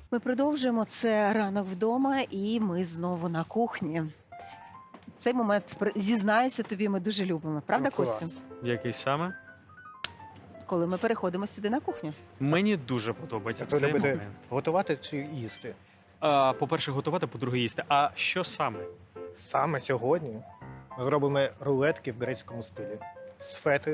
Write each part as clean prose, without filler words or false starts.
Ми продовжуємо. Це ранок вдома, і ми знову на кухні. Цей момент, зізнаюся тобі, ми дуже любимо. Правда, Ну, Костю? клас. Який саме? Коли ми переходимо сюди на кухню. Мені дуже подобається Ви цей любите момент. готувати чи їсти? По-перше, готувати, по-друге, їсти. А що саме? Саме сьогодні ми зробимо рулетки в грецькому стилі з фетою.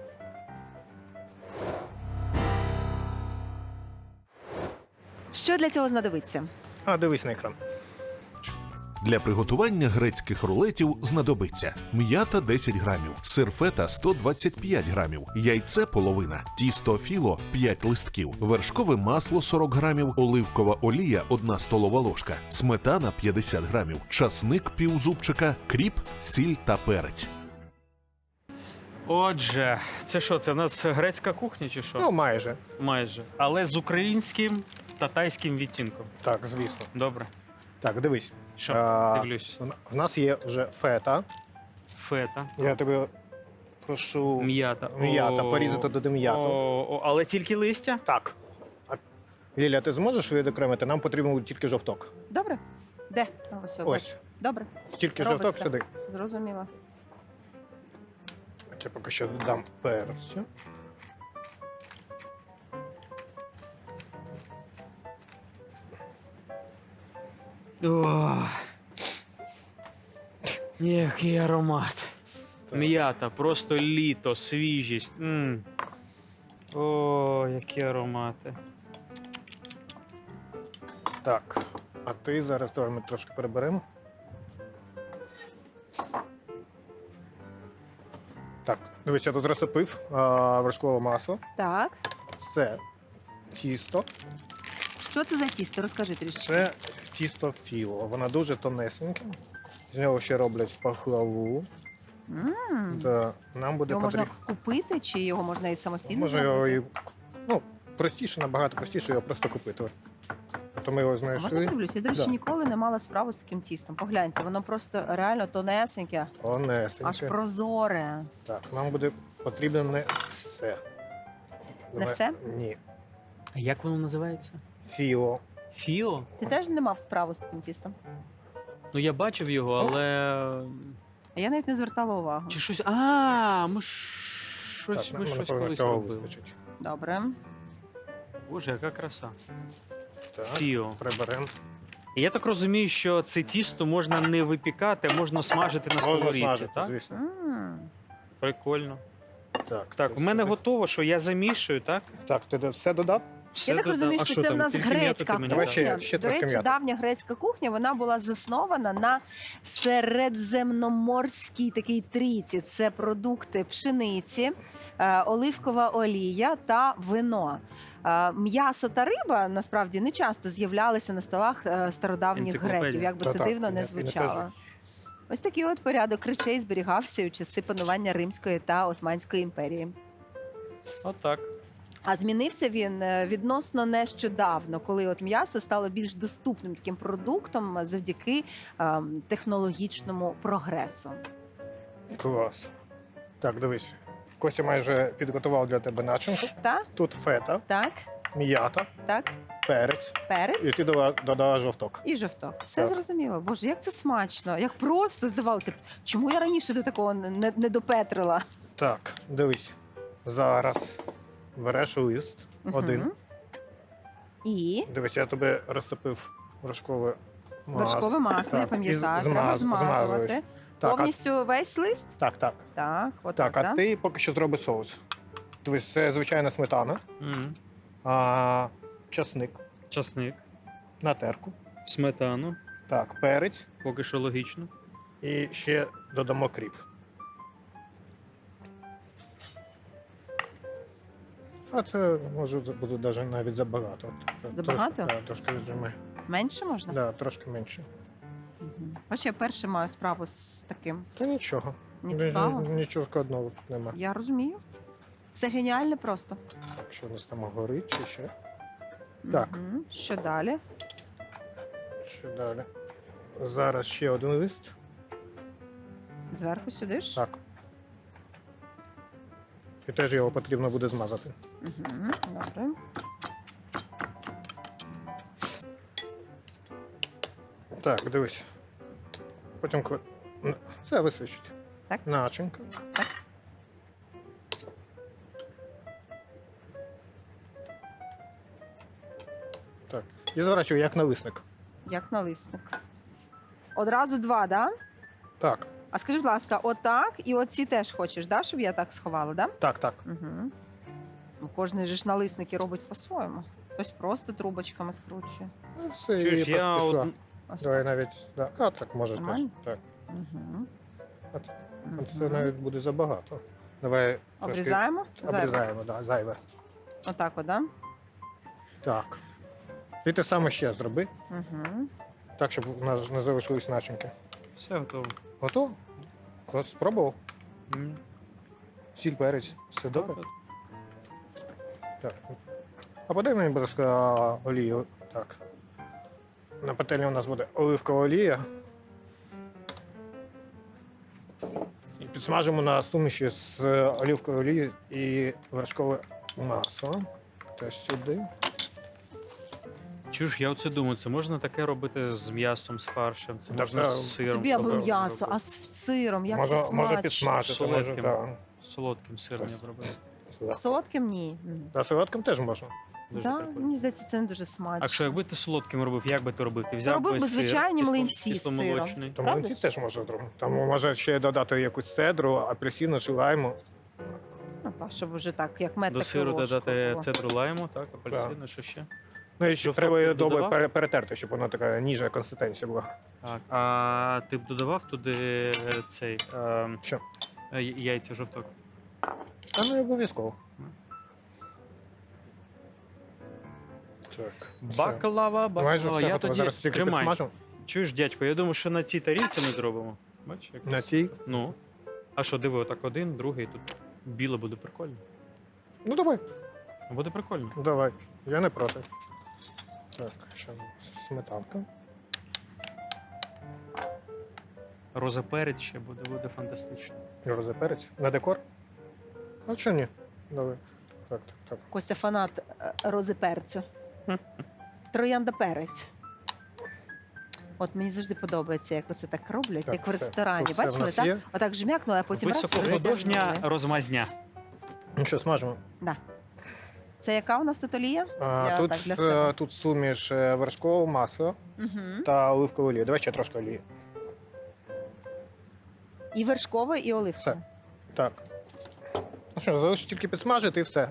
Що для цього знадобиться? Дивись на екран. Для приготування грецьких рулетів знадобиться м'ята 10 грамів, сир фета 125 грамів, яйце половина, тісто філо 5 листків, вершкове масло 40 грамів, оливкова олія 1 столова ложка, сметана 50 грамів, часник півзубчика, кріп, сіль та перець. Отже, це що? Це в нас грецька кухня чи що? Ну, майже. Майже. Але з українським та тайським відтінком. Так, звісно. Добре. Так, дивись. Що? Дивлюсь. В нас є вже фета. Фета. Я тебе прошу М'ята. м'ята, О, порізати до м'яту. Але тільки листя? Так. Ліля, ти зможеш відокремити? Нам потрібен тільки жовток. Добре? Де? Ось. Ось. Добре, Тільки Робиться. жовток сюди. зрозуміло. Так, я поки що додам перцю. Ох. Який аромат. Так. М'ята, просто літо, свіжість. О, які аромати. Так. А ти зараз давай ми трошки переберемо. Так, дивись, я тут розтопив вершкове масло. Так. Це тісто. Що це за тісто? Розкажи трішки. Це тісто філо. Воно дуже тонесеньке. З нього ще роблять пахлаву. Та нам буде Його можна потрібно. купити, чи його можна і самостійно Може його зробити? і. Ну, простіше, набагато простіше його просто купити. А то ми його А можна знайшли. дивлюся? Я, до речі, Да. ніколи не мала справу з таким тістом. Погляньте, воно просто реально тонесеньке, аж Тонесеньке. прозоре. Так, нам буде потрібно не все. Не все? Ні. А як воно називається? Філо. Фіо? Ти теж не мав справу з таким тістом? Ну я бачив його, але. А я навіть не звертала увагу. Чи щось. Ми щось, Так, ми нам, щось напевно, колись цього робили. вистачить. Добре. Боже, яка краса. Так, Фіо. приберемо. І я так розумію, що це тісто можна не випікати, а можна смажити на Можна сковорідці, смажити, так? звісно. Прикольно. Так, Так, це в мене сюди. готово, що я замішую, так? Так, ти все додав? Все Я так додав. розумію, А що це в там, нас тільки м'яту грецька ти мені Давай дав? кухня. ще До трошки речі, м'яти. давня грецька кухня, вона була заснована на середземноморській такій трійці. Це продукти пшениці, оливкова олія та вино. М'ясо та риба насправді не часто з'являлися на столах стародавніх Енциклопедія. греків, як би це Та-так, дивно і не не звучало. кажи. Ось такий от порядок речей зберігався у часи панування Римської та Османської імперії. Отак. А змінився він відносно нещодавно, коли от м'ясо стало більш доступним таким продуктом завдяки технологічному прогресу. Клас. Так, дивись. Костя майже підготував для тебе начинку. Так, Тут фета, так, м'ята, так, перець. І перець ти додала жовток. і жовток. Все Так. зрозуміло. Боже, як це смачно, як просто здавалося б. Чому я раніше до такого не допетрила? Так, дивись. Зараз береш лист один. Мгм. І Дивись, я тобі розтопив вершкове масло. вершкове масло, я Так, пам'ятаю, і треба змазуєш. змазувати. Так, Повністю весь лист? так, так. Так, от Так, а да? ти поки що зроби соус. Дивись, це звичайна сметана, часник Часник, на терку. сметану, Так, перець поки що логічно. і ще додамо кріп. А це може буде навіть забагато. Забагато? Трошки, да, трошки віджимай. Менше можна? Да, трошки менше. Мгм. Бач, я перше маю справу з таким. Та нічого. Мені цікаво. Нічого складного тут нема. Я розумію. Все геніальне просто. Якщо у нас там горить чи ще. Так. Мгм. Що далі? Що далі? Зараз ще один лист. Зверху сюди ж? Так. І теж його потрібно буде змазати. Угу. Добре. Так, дивись. Потім це висичить. Так. Начинка. Так. Так. І заворачую як налисник. Як налисник. Одразу два, да? Так, А скажи, будь ласка, отак і оці теж хочеш, да, щоб я так сховала, да? так, так. Угу. Ну, кожен же ж налисники робить по-своєму. Хтось просто трубочками скручує. Ну, все, Чуєш, і я поспішла. Ось Давай так. навіть. Да. А, так, можеш теж. Нормально? Так. Угу. От це навіть буде забагато. Давай трошки Обрізаємо? Зайве. обрізаємо, да, зайве. Отак, от, да? Так. Ти те саме ще зроби, Угу. так, щоб у нас не залишились начинки. Все готово. Готово? Ось спробував? М. Сіль, перець, все добре? Так, Так. А подай мені, будь ласка, олію. Так. На пательні у нас буде оливкова олія. І підсмажимо на суміші з оливкової олії і вершкове масло. Теж сюди. Чуєш, я оце думаю, це можна таке робити з м'ясом, з фаршем, це Та можна це- з сиром. Тобі аби добре, м'ясо, добре. а з сиром, як це Може смачно. підсмажити, може, Солодким. так. Солодким сиром я б робив. Солодким ні. За солодким теж можна. Дуже Да, прикольно. мені здається, це не дуже смачно. А що, якби ти солодким робив, як би ти робив? Ти взяв робив би би сир, звичайні кисло- млинці з кисломолочний. Тому Правда ці ж? теж можна зробити. Там може ще додати якусь цедру, апельсину чи лайму. Ну, так, щоб вже так, як мед, До так і сиру ложку додати було. цедру лайму, так, апельсину, що ще? Ну і ще Жовток треба її ти добре додавав? перетерти, щоб вона така ніжна консистенція була. Так. А ти б додавав туди цей Що? яйця жовток? А не обов'язково. Так. все. Баклава, Майже баклава. все Я готово. тоді Зараз тільки тримай. підсмажу. Чуєш, дядько, я думаю, що на цій тарілці ми зробимо. Бачиш, як? На цій. Ну. А що, диви, отак один, другий, тут біле буде прикольно. Ну давай, Буде прикольно. давай. Я не проти. Так, ще сметанка. Розоперець ще буде фантастично. Розеперець. На декор? А що ні? Давай. Так, так, так. Костя фанат рози перцю. Троянда перець. От мені завжди подобається, як оце так роблять, Так, як в все. ресторані. Тут все в Бачили, нас так? є. Отак жмякнули, а потім раз і Високохудожня розтягнули. розмазня. Ну що, смажимо. Це яка у нас тут олія? Я Тут, так для себе. тут суміш вершкового масла Угу. та оливкової олії. Давай ще трошки олії. І вершкове, і оливкове. Все. Так. Ну що, залишиш тільки підсмажити і все.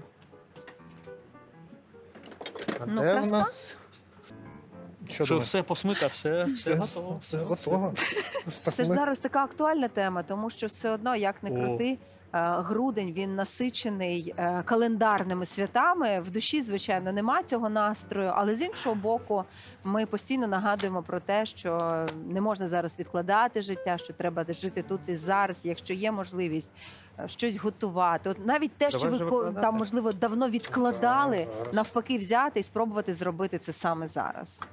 А Ну, де в краса. нас? Що Що думаєш? все посмика, все готово. Все готово. Це ж зараз така актуальна тема, тому що все одно, як не О. крути, грудень він насичений календарними святами. В душі, звичайно, нема цього настрою, але з іншого боку, ми постійно нагадуємо про те, що не можна зараз відкладати життя, що треба жити тут і зараз, якщо є можливість щось готувати. От навіть те, що Давай ви вже викладати. там можливо давно відкладали, Так, зараз. навпаки, взяти і спробувати зробити це саме зараз.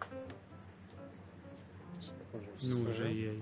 Ну, вже є.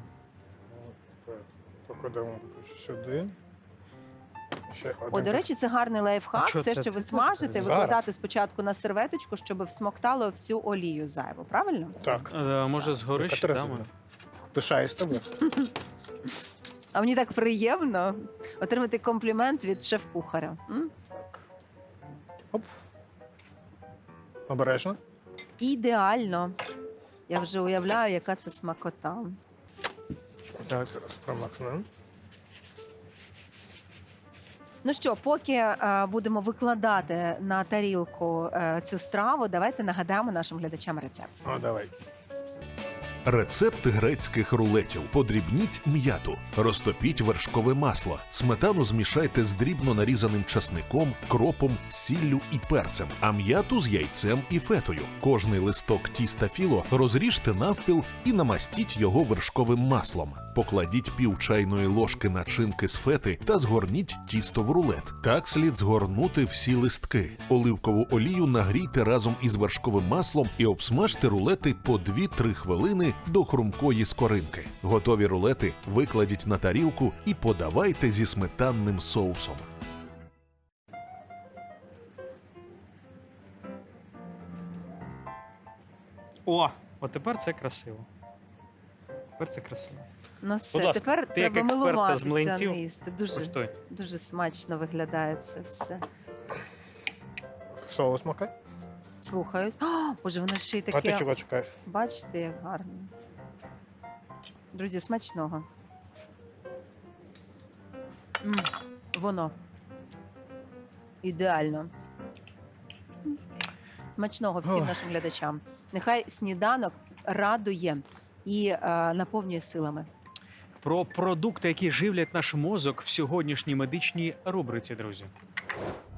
Покладемо сюди. Ще О, один. до речі, це гарний лайфхак. А що Це, це? що ви Це смажите, зараз. викладати спочатку на серветочку, щоб всмоктало всю олію зайву. Правильно? Так. Може, згори ще Катерина дамо? Сергіївна, пишаюсь тобою. А мені так приємно отримати комплімент від шеф-кухаря. М? Оп. Обережно. Ідеально. Я вже уявляю, яка це смакота. Так, зараз промахнемо. Ну що, поки будемо викладати на тарілку цю страву, давайте нагадаємо нашим глядачам рецепт. О, давай. Рецепт грецьких рулетів. Подрібніть м'яту, розтопіть вершкове масло, сметану змішайте з дрібно нарізаним часником, кропом, сіллю і перцем, а м'яту з яйцем і фетою. Кожний листок тіста філо розріжте навпіл і намастіть його вершковим маслом. Покладіть пів чайної ложки начинки з фети та згорніть тісто в рулет. Так слід згорнути всі листки. Оливкову олію нагрійте разом із вершковим маслом і обсмажте рулети по 2-3 хвилини до хрумкої скоринки. Готові рулети викладіть на тарілку і подавайте зі сметанним соусом. О, от тепер це красиво. Тепер це красиво. Ну все, ласка, тепер ти як треба експерт та з милуватися млинців, їсти. Дуже, Коштуй. дуже смачно виглядає це все. Соус макай. Слухаюсь. О, Боже, воно ще й А ти таке. чого чекаєш? Бачите, як гарно. Друзі, смачного. М, Воно. Ідеально. Смачного всім Ох. нашим глядачам. Нехай сніданок радує і наповнює силами. Про продукти, які живлять наш мозок в сьогоднішній медичній рубриці, друзі.